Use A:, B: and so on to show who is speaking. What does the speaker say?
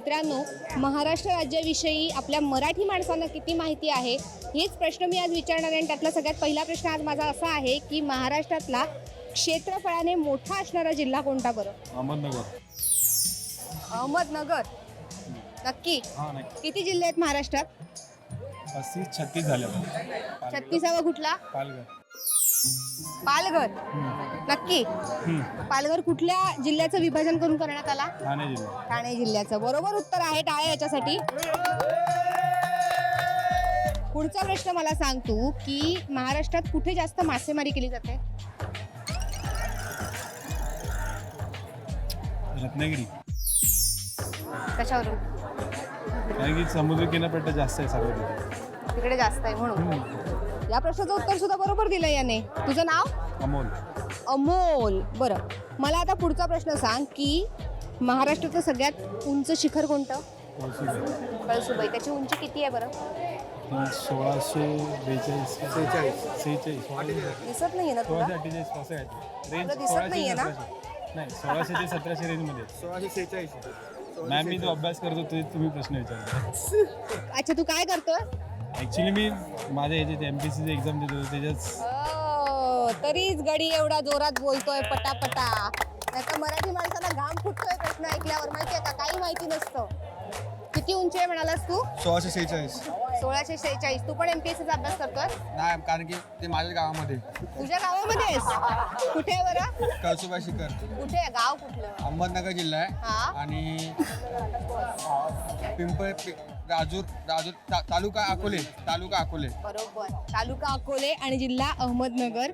A: मित्रांनो, महाराष्ट्र राज्याविषयी आपल्या मराठी माणसांना किती माहिती आहे हेच प्रश्न मी आज विचारणार आहे. आणि त्यातला सगळ्यात पहिला प्रश्न आज माझा असा आहे की महाराष्ट्रातला क्षेत्रफळाने मोठा असणारा जिल्हा कोणता बरं?
B: अहमदनगर.
A: अहमदनगर. नक्की?
B: हां नक्की.
A: किती जिल्हे आहेत महाराष्ट्रात?
B: 36 झाले.
A: 36वा कुठला?
B: पालघर.
A: पालघर. नक्की? पालघर कुठल्या जिल्ह्याचं विभाजन करून करण्यात आला?
B: ठाणे जिल्हा.
A: ठाणे जिल्ह्याचं. बरोबर उत्तर आहे. टाळ्या याच्यासाठी. पुढचा प्रश्न मला सांग तू की महाराष्ट्रात कुठे जास्त मासेमारी केली जाते?
B: रत्नागिरी.
A: कशावरून?
B: कारण की समुद्र किनारपट्टा जास्त आहे सर्व तिथे.
A: तिकडे जास्त आहे म्हणून. या प्रश्नाचं उत्तर सुद्धा बरोबर दिलं याने. तुझं नाव?
B: अमोल.
A: अमोल. बरं, मला आता पुढचा प्रश्न सांग की महाराष्ट्राचं सगळ्यात उंच शिखर कोणतं? कळसुबाई. त्याची उंची किती आहे बरं?
B: 1642. 46.
A: दिसत नाहीये ना तुला?
B: 1648 असं आहे. रेंज
A: तुला दिसत नाहीये ना?
B: नाही 1600 ते 1700 रेंजमध्ये. 1646. मॅम मी तो अभ्यास करतो तुम्ही प्रश्न विचारता.
A: अच्छा, तू काय करतोय?
B: ॲक्च्युली मी माझ्या ह्याच्यात MPSCची एक्झाम देतो त्याच्यात.
A: तरीच गडी एवढा जोरात बोलतोय पटापटा. नाहीतर मराठी माणसाला घाम फुटतोय प्रश्न ऐकल्यावर. माहितीये का? काही माहिती नसतं. किती उंची आहे म्हणालास तू?
C: 1646.
A: 1646. तू पण MPSCचा अभ्यास करतोय?
C: नाही, कारण की ते माझ्या गावामध्ये.
A: तुझ्या गावामध्येच? कुठे आहे बरं?
C: कळसुबाई शिखर.
A: कुठे आहे? गाव कुठलं?
C: अहमदनगर जिल्हा
A: हा.
C: आहे. आणि राजूर तालुका अकोले.
A: बरोबर. तालुका अकोले आणि जिल्हा अहमदनगर.